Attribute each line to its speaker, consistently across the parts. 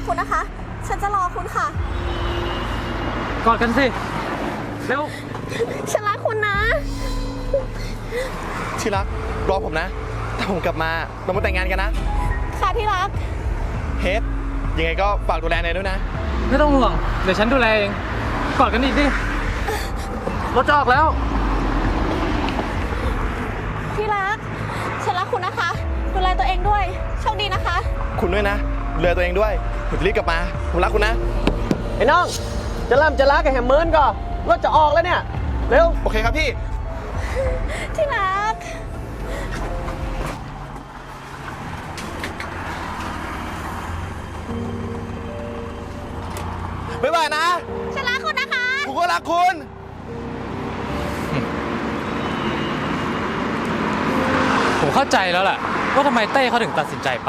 Speaker 1: คุณนะคะฉันจะรอคุณค่ะ
Speaker 2: กอดกันสิเร็ว
Speaker 1: ฉันรักคุณนะ
Speaker 3: ที่รักรอผมนะถ้าผมกลับมาเรามาแต่งงานกันนะ
Speaker 1: ค่ะที่รัก
Speaker 3: เฮดยังไงก็ฝากดูแลเนยด้วยนะ
Speaker 2: ไม่ต้องห่วงเดี๋ยวฉันดูแลเองกอดกันอีกดิรถจะออกแล้ว
Speaker 1: ที่รักฉันรักคุณนะคะดูแลตัวเองด้วยโชคดีนะคะ
Speaker 3: คุณด้วยนะดูแลตัวเองด้วยผมจะรีบกลับมาผมรักคุณนะ
Speaker 4: ไอ้น้องจะล่ำจะล้ากับแฮมเมิร์นก่อนรถจะออกแล้วเนี่ยเร็ว
Speaker 3: โอเคครับพี่
Speaker 1: ที่รัก
Speaker 3: บ๊ายบายนะ
Speaker 1: ฉันรักคุณนะคะ
Speaker 3: ผมก็รักคุณ
Speaker 2: ผมเข้าใจแล้วแหละว่าทำไมเต้เขาถึงตัดสินใจไป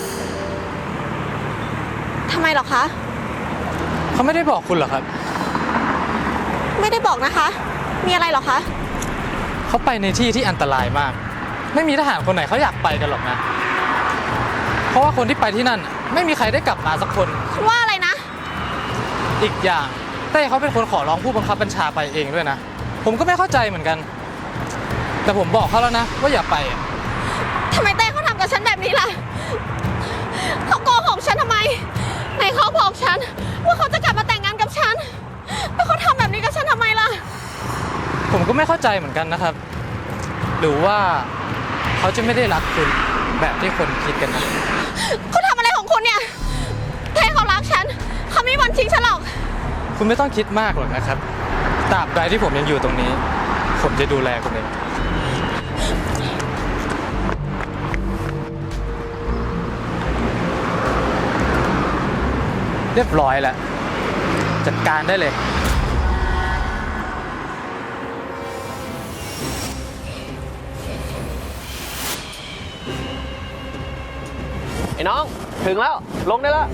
Speaker 1: ทำไมหรอคะ
Speaker 2: เขาไม่ได้บอกคุณหรอครับ
Speaker 1: ไม่ได้บอกนะคะมีอะไรหรอคะ
Speaker 2: เขาไปในที่ที่อันตรายมากไม่มีทหารคนไหนเขาอยากไปกันหรอกนะเพราะว่าคนที่ไปที่นั่นไม่มีใครได้กลับมาสักคน
Speaker 1: คุณว่าอะไรนะ
Speaker 2: อีกอย่างเต้เขาเป็นคนขอร้องผู้บังคับบัญชาไปเองด้วยนะผมก็ไม่เข้าใจเหมือนกันแต่ผมบอกเขาแล้วนะว่าอย่าไป
Speaker 1: ทำไมเต้เขาทำกับฉันแบบนี้ล่ะเขาโกหกฉันทำไมไหนเขาบอกฉันว่าเขาจะกลับมาแต่งงานกับฉันแล้วเขาทำแบบนี้กับฉันทำไมล่ะ
Speaker 2: ผมก็ไม่เข้าใจเหมือนกันนะครับหรือว่าเขาจะไม่ได้รักคุณแบบที่คนคิดกันนะ
Speaker 1: คุณทำอะไรของคุณเนี่ยเต้เขารักฉันเขาไม่มีวันทิ้งฉันหรอก
Speaker 2: คุณไม่ต้องคิดมากหรอกนะครับตราบใดที่ผมยังอยู่ตรงนี้ผมจะดูแลคุณเองเรียบร้อยแล้วจัดการได้เลย
Speaker 4: ไอ้น้องถึงแล้วลงได้แล้ว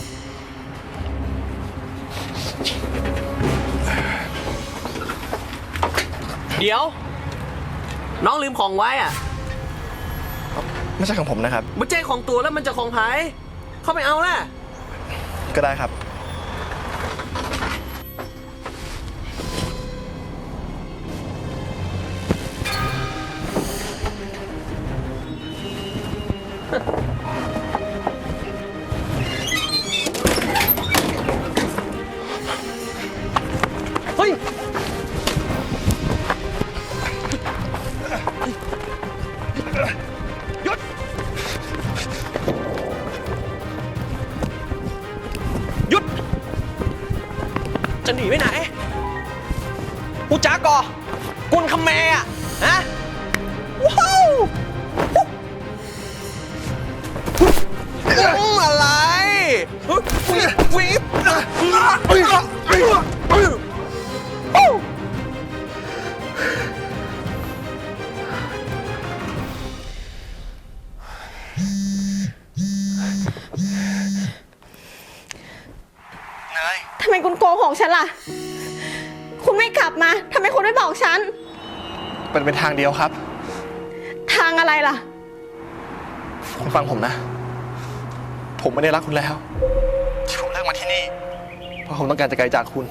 Speaker 4: เดี๋ยวน้องลืมของไว้อะ
Speaker 3: ไม่ใช่ของผมนะครับ
Speaker 4: มันใจของตัวแล้วมันจะของไผ่เข้าไปเอาล่ะ
Speaker 3: ก็ได้ครับ
Speaker 4: เฮ้ยหยุดหยุดจะหนีไปไหนกูจ๋ากอกุนคำแม่อะฮะว้าวอะไรวิบวิบ
Speaker 1: ทำไมคุณโกหกฉันล่ะคุณไม่กลับมาทำไมคุณไม่บอกฉัน
Speaker 3: เป็นทางเดียวครับ
Speaker 1: ทางอะไรล่ะ
Speaker 3: คุณฟังผมนะผมไม่ได้รักคุณแล้วที่ผมเลือกมาที่นี่เพราะผมต้องการจะไกลจากคุณ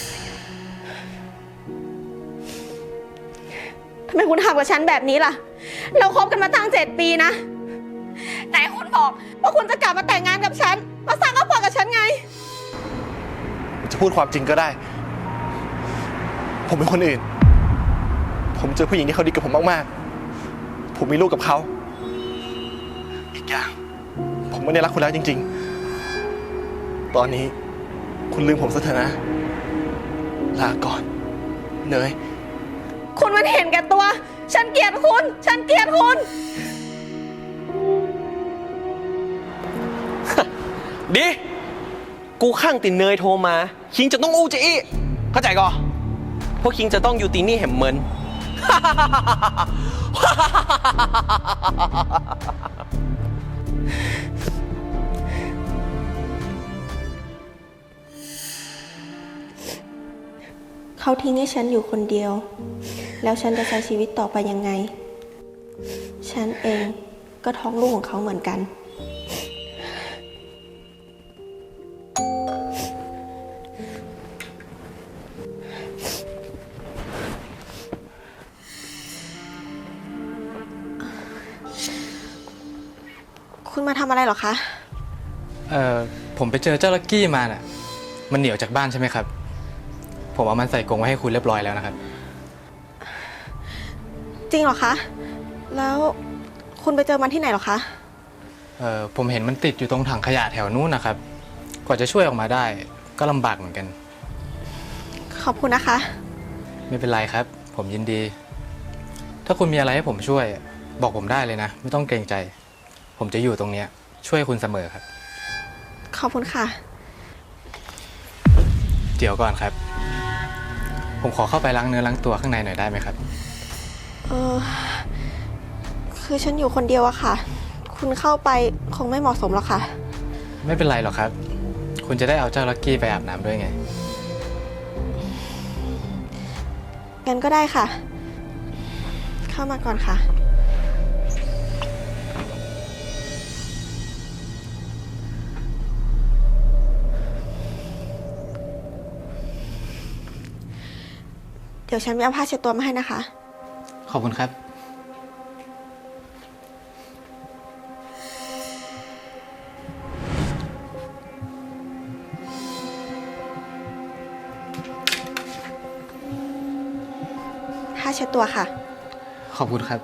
Speaker 1: ทำไมคุณทำกับฉันแบบนี้ล่ะเราคบกันมาตั้ง7 ปีนะไหนคุณบอกว่าคุณจะกลับมาแต่งงานกับฉันมาสร้างครอบครัวกับฉันไง
Speaker 3: จะพูดความจริงก็ได้ผมเป็นคนอื่นผมเจอผู้หญิงที่เขาดีกับผมมากๆผมมีลูกกับเขาอีกอย่างผมไม่ได้รักคุณแล้วจริงๆตอนนี้คุณลืมผมซะเถอะนะลาก่อนเนย
Speaker 1: คุณมันเห็นแก่ตัวฉันเกลียดคุณฉันเกลียดคุณ
Speaker 4: ดีกูข้างตินเนยโทรมาคิงจะต้องอู้จะอี้เข้าใจก่อพวกคิงจะต้องอยู่ตีนี่แหมเมิน
Speaker 1: เขาทิ้งให้ฉันอยู่คนเดียวแล้วฉันจะใช้ชีวิตต่อไปยังไงฉันเองก็ท้องลูกของเขาเหมือนกันคุณมาทำอะไรเหรอคะ
Speaker 2: ผมไปเจอเจ้าลักกี้มาน่ะ มันหนีออกจากบ้านใช่ไหมครับ ผมเอามันใส่กรงไว้ให้คุณเรียบร้อยแล้วนะครับ
Speaker 1: จริงเหรอคะ แล้วคุณไปเจอมันที่ไหนเหรอคะ
Speaker 2: ผมเห็นมันติดอยู่ตรงถังขยะแถวนู้นนะครับ กว่าจะช่วยออกมาได้ก็ลำบากเหมือนกัน
Speaker 1: ขอบคุณนะคะ
Speaker 2: ไม่เป็นไรครับ ผมยินดี ถ้าคุณมีอะไรให้ผมช่วยบอกผมได้เลยนะ ไม่ต้องเกรงใจ ผมจะอยู่ตรงเนี้ยช่วยคุณเสมอครับ
Speaker 1: ขอบคุณค่ะ
Speaker 2: เดี๋ยวก่อนครับ ผมขอเข้าไปล้างเนื้อล้างตัวข้างในหน่อยได้ไหมครับ
Speaker 1: คือฉันอยู่คนเดียวอะค่ะ คุณเข้าไปคงไม่เหมาะสมหรอกค่ะ
Speaker 2: ไม่เป็นไรหรอกครับ คุณจะได้เอาเจ้าลักกี้ไปอาบน้ำด้วยไง
Speaker 1: งั้นก็ได้ค่ะ เข้ามาก่อนค่ะ เดี๋ยวฉันไปเอาผ้าเช็ดตัวมาให้นะคะ
Speaker 2: ขอบคุณครับ
Speaker 1: ผ้าเช็ดตัวค่ะ
Speaker 2: ขอบคุณครับ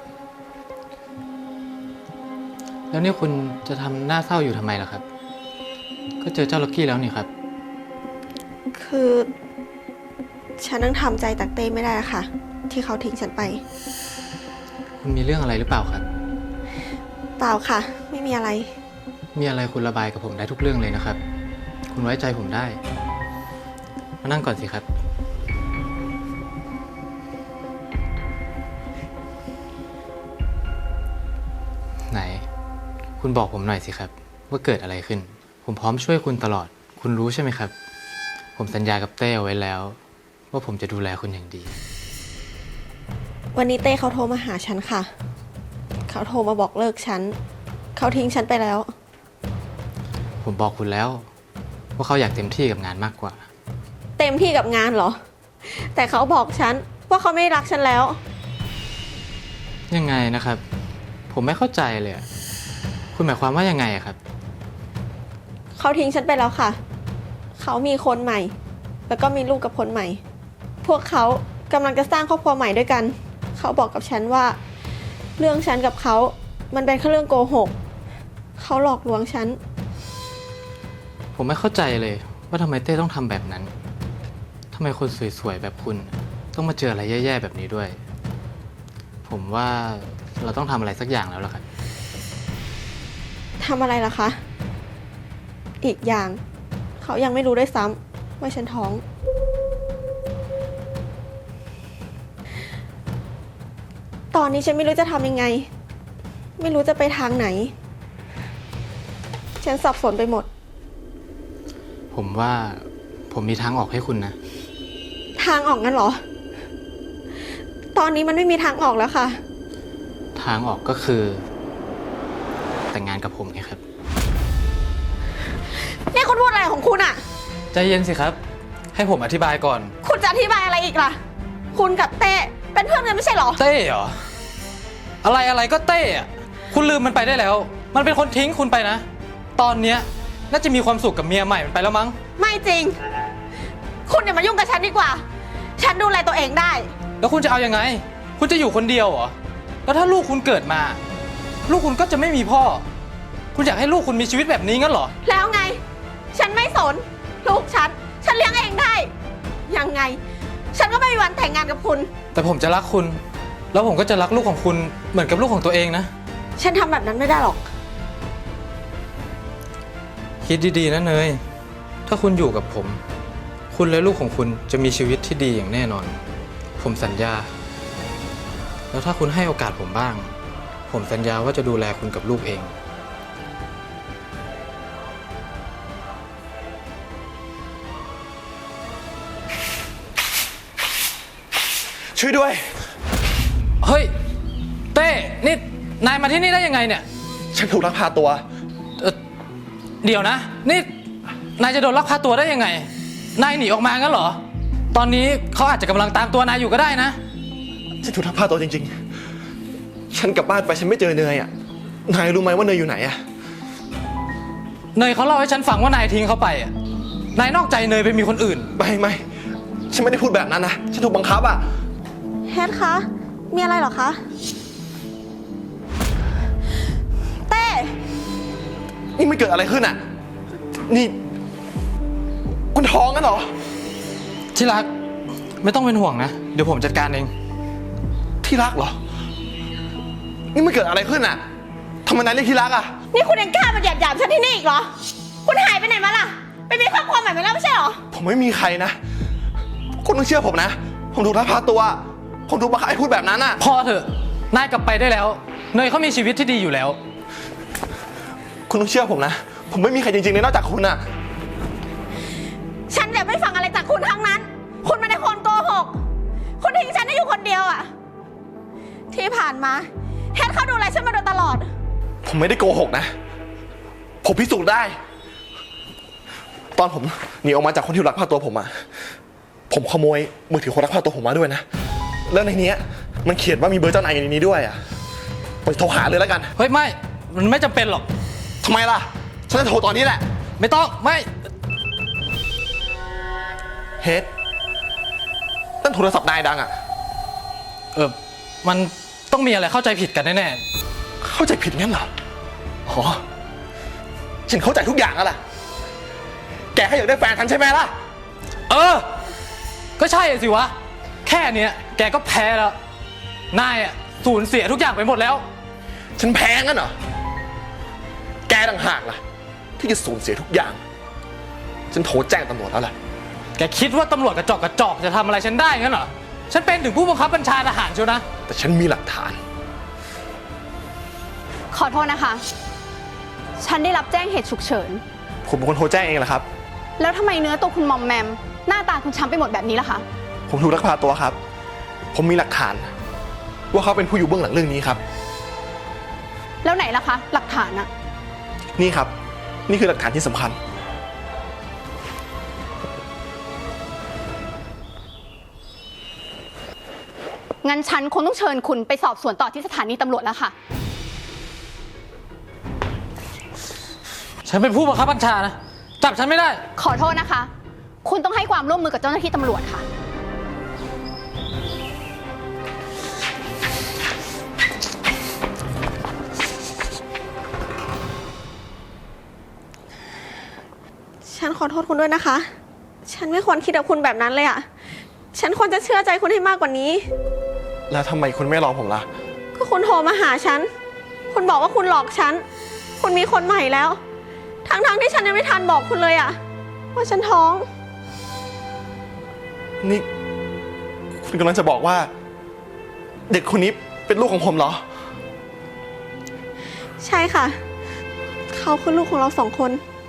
Speaker 2: แล้วนี่คุณจะทำหน้าเศร้าอยู่ทำไมล่ะครับ ก็เจอเจ้าลักกี้แล้วนี่ครับ
Speaker 1: คือฉันนั่งทำใจตักเต้ไม่ได้อะค่ะ ที่เขาทิ้งฉันไป
Speaker 2: คุณมีเรื่องอะไรหรือเปล่าครับ
Speaker 1: เปล่าค่ะ ไม่มีอะไร
Speaker 2: มีอะไรคุณระบายกับผมได้ทุกเรื่องเลยนะครับ คุณไว้ใจผมได้ มานั่งก่อนสิครับ ไหน คุณบอกผมหน่อยสิครับ ว่าเกิดอะไรขึ้น ผมพร้อมช่วยคุณตลอด คุณรู้ใช่ไหมครับ ผมสัญญากับเต้เอาไว้แล้ว ว่าผมจะดูแลคุณอย่างดี
Speaker 1: วันนี้เต้เขาโทรมาหาฉันค่ะ เขาโทรมาบอกเลิกฉัน เขาทิ้งฉันไปแล้ว
Speaker 2: ผมบอกคุณแล้ว ว่าเขาอยากเต็มที่กับงานมากกว่า
Speaker 1: เต็มที่กับงานเหรอ แต่เขาบอกฉันว่าเขาไม่รักฉันแล้ว
Speaker 2: ยังไงนะครับ ผมไม่เข้าใจเลยอะคุณหมายความว่ายังไงอะครับ
Speaker 1: เขาทิ้งฉันไปแล้วค่ะ เขามีคนใหม่ แล้วก็มีลูกกับคนใหม่ พวกเขากำลังจะสร้างครอบครัวใหม่ด้วยกัน เขาบอกกับฉันว่า เรื่องฉันกับเขา มันเป็นแค่เรื่องโกหก เขาหลอกลวงฉัน
Speaker 2: ผมไม่เข้าใจเลยว่าทำไมเต้ต้องทำแบบนั้นทำไมคนสวยๆแบบคุณ ต้องมาเจออะไรแย่ๆแบบนี้ด้วย ผมว่าเราต้องทำอะไรสักอย่างแล้วล่ะครับ
Speaker 1: ทำอะไรล่ะคะ อีกอย่าง เขายังไม่รู้ด้วยซ้ำว่าฉันท้อง ตอนนี้ฉันไม่รู้จะทำยังไง ไม่รู้จะไปทางไหน ฉันสับสนไปหมด
Speaker 2: ผมว่าผมมีทางออกให้คุณนะ
Speaker 1: ทางออกงั้นเหรอ ตอนนี้มันไม่มีทางออกแล้วค่ะ
Speaker 2: ทางออกก็คือ แต่งงานกับผมไงครับ
Speaker 1: นี่คุณพูดอะไรของคุณอะ
Speaker 2: ใจเย็นสิครับ ให้ผมอธิบายก่อน
Speaker 1: คุณจะอธิบายอะไรอีกล่ะ คุณกับเต้เป็นเพื่อนกันไม่ใช่เหรอ
Speaker 2: เต้เหรอ อะไรก็เต้อะคุณลืมมันไปได้แล้ว มันเป็นคนทิ้งคุณไปนะ ตอนเนี้ยน่าจะมีความสุขกับเมียใหม่มันไปแล้วมั้ง
Speaker 1: ไม่จริง คุณอย่ามายุ่งกับฉันดีกว่า ฉันดูแลตัวเองได้
Speaker 2: แล้วคุณจะเอายังไง คุณจะอยู่คนเดียวเหรอ แล้วถ้าลูกคุณเกิดมา ลูกคุณก็จะไม่มีพ่อ คุณอยากให้ลูกคุณมีชีวิตแบบนี้งั้นเหรอ
Speaker 1: แล้วไง ฉันไม่สน ลูกฉันเลี้ยงเองได้ ยังไง ฉันก็ไม่มีวันแต่งงานกับคุณ
Speaker 2: แต่ผมจะรักคุณ แล้วผมก็จะรักลูกของคุณเหมือนกับลูกของตัวเองนะ
Speaker 1: ฉันทำแบบนั้นไม่ได้หรอก
Speaker 2: คิดดีๆนะเนย ถ้าคุณอยู่กับผม คุณและลูกของคุณจะมีชีวิตที่ดีอย่างแน่นอน ผมสัญญา แล้วถ้าคุณให้โอกาสผมบ้าง ผมสัญญาว่าจะดูแลคุณกับลูกเอง
Speaker 3: ช่วยด้วย
Speaker 2: เฮ้ย เต้ นี่นายมาที่นี่ได้ยังไงเนี่ย
Speaker 3: ฉันถูกลักพาตัว
Speaker 2: เดี๋ยวนะ นี่นายจะโดนลักพาตัวได้ยังไง นายหนีออกมางั้นเหรอ ตอนนี้เขาอาจจะกำลังตามตัวนายอยู่ก็ได้นะ
Speaker 3: ฉันถูกลักพาตัวจริงๆ ฉันกลับบ้านไปฉันไม่เจอเนยอ่ะ นายรู้ไหมว่าเนยอยู่ไหนอ่ะ
Speaker 2: เนยเขาเล่าให้ฉันฟังว่านายทิ้งเขาไปอ่ะ นายนอกใจเนยไปมีคนอื่น
Speaker 3: ไม่ฉันไม่ได้พูดแบบนั้นนะฉันถูกบังคับอ่ะ
Speaker 1: เฮดคะ มีอะไรเหรอคะ เต้
Speaker 3: นี่มันเกิดอะไรขึ้นอ่ะ นี่คุณท้องกันเหรอ
Speaker 2: ที่รักไม่ต้องเป็นห่วงนะ เดี๋ยวผมจัดการเอง
Speaker 3: ที่รักเหรอ นี่มันเกิดอะไรขึ้นอ่ะทำไมนายเรียกที่รักอ่ะ
Speaker 1: นี่คุณยังกล้ามาหยาบฉันที่นี่อีกเหรอ คุณหายไปไหนมาล่ะ ไปมีครอบครัวใหม่มาแล้วไม่ใช่เหรอ
Speaker 3: ผมไม่มีใครนะ คุณต้องเชื่อผมนะ ผมถูกลักพาตัว ผมถูกบังคับให้พูดแบบนั้นอ่ะ
Speaker 2: พอเถอะ นายกลับไปได้แล้ว เนยเขามีชีวิตที่ดีอยู่แล้ว
Speaker 3: คุณต้องเชื่อผมนะ ผมไม่มีใครจริงๆเลยนอกจากคุณอ่ะ
Speaker 1: ฉันจะไม่ฟังอะไรจากคุณทั้งนั้น คุณไม่ได้คนโกหก คุณทิ้งฉันได้อยู่คนเดียวอะที่ผ่านมาเฮดเขาดูแลฉันมาโดยตลอด
Speaker 3: ผมไม่ได้โกหกนะ ผมพิสูจน์ได้ ตอนผมหนีออกมาจากคนที่ลักพาตัวผมอะผมขโมยมือถือคนลักพาตัวผมมาด้วยนะ แล้วในนี้มันเขียนว่ามีเบอร์เจ้านายอยู่ในนี้ด้วยอะผมโทรหาเลยแล้วกัน
Speaker 2: เฮ้ยไม่ มันไม่จำเป็นหรอก
Speaker 3: ทำไมล่ะ ฉันจะโทรตอนนี้แหละ
Speaker 2: ไม่ต้อง ไม่
Speaker 3: เฮดนั่นโทรศัพท์นายดังอะ
Speaker 2: มันต้องมีอะไรเข้าใจผิดกันแน่
Speaker 3: เข้าใจผิดงั้นเหรออ๋อฉันเข้าใจทุกอย่างแล้วล่ะ แกแค่อยากได้แฟนฉันใช่ไหมล่ะ
Speaker 2: ก็ใช่สิวะ แค่เนี้ยแกก็แพ้แล้ว นายอ่ะสูญเสียทุกอย่างไปหมดแล้ว
Speaker 3: ฉันแพ้งั้นเหรอ แกต่างหากล่ะ ที่จะสูญเสียทุกอย่าง ฉันโทรแจ้งตำรวจแล้วล่ะ
Speaker 2: แกคิดว่าตำรวจกระจอกจะทำอะไรฉันได้งั้นเหรอ ฉันเป็นถึงผู้บังคับบัญชาทหารเชียวนะ
Speaker 3: แต่ฉันมีหลักฐาน
Speaker 5: ขอโทษนะคะ ฉันได้รับแจ้งเหตุฉุกเฉิน
Speaker 3: ผมเป็นคนโทรแจ้งเองแหละครับ
Speaker 5: แล้วทำไมเนื้อตัวคุณมอมแมม หน้าตาคุณช้ำไปหมดแบบนี้ล่ะคะ
Speaker 3: ผมถูกลักพาตัวครับ ผมมีหลักฐาน ว่าเขาเป็นผู้อยู่เบื้องหลังเรื่องนี้ครับ
Speaker 5: แล้วไหนล่ะคะ หลักฐานอะ
Speaker 3: นี่ครับ นี่คือหลักฐานที่สำคัญ
Speaker 5: งั้นฉันคงต้องเชิญคุณไปสอบสวนต่อที่สถานีตำรวจแล้วค่ะ
Speaker 2: ฉันเป็นผู้บังคับบัญชานะ จับฉันไม่ได้
Speaker 5: ขอโทษนะคะ คุณต้องให้ความร่วมมือกับเจ้าหน้าที่ตำรวจค่ะ
Speaker 1: ฉันขอโทษคุณด้วยนะคะ ฉันไม่ควรคิดกับคุณแบบนั้นเลยอะฉันควรจะเชื่อใจคุณให้มากกว่านี้
Speaker 3: แล้วทำไมคุณไม่รอผมล่ะ
Speaker 1: ก็คุณโทรมาหาฉัน คุณบอกว่าคุณหลอกฉัน คุณมีคนใหม่แล้ว ทั้งที่ฉันยังไม่ทันบอกคุณเลยอะว่าฉันท้อง
Speaker 3: นี่ คุณกำลังจะบอกว่า เด็กคนนี้เป็นลูกของผมเหรอ
Speaker 1: ใช่ค่ะ เขาคือลูกของเราสองคน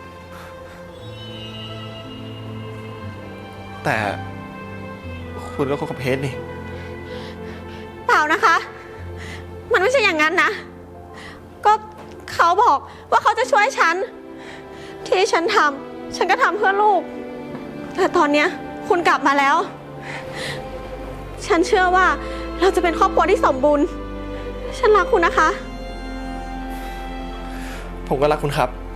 Speaker 3: แต่คุณก็คบกับเพชรนี่
Speaker 1: เปล่านะคะ มันไม่ใช่อย่างนั้นนะ ก็เขาบอกว่าเขาจะช่วยฉัน ที่ฉันทำฉันก็ทำเพื่อลูก แต่ตอนเนี้ยคุณกลับมาแล้ว ฉันเชื่อว่าเราจะเป็นครอบครัวที่สมบูรณ์ ฉันรักคุณนะคะ
Speaker 3: ผมก็รักคุณครับ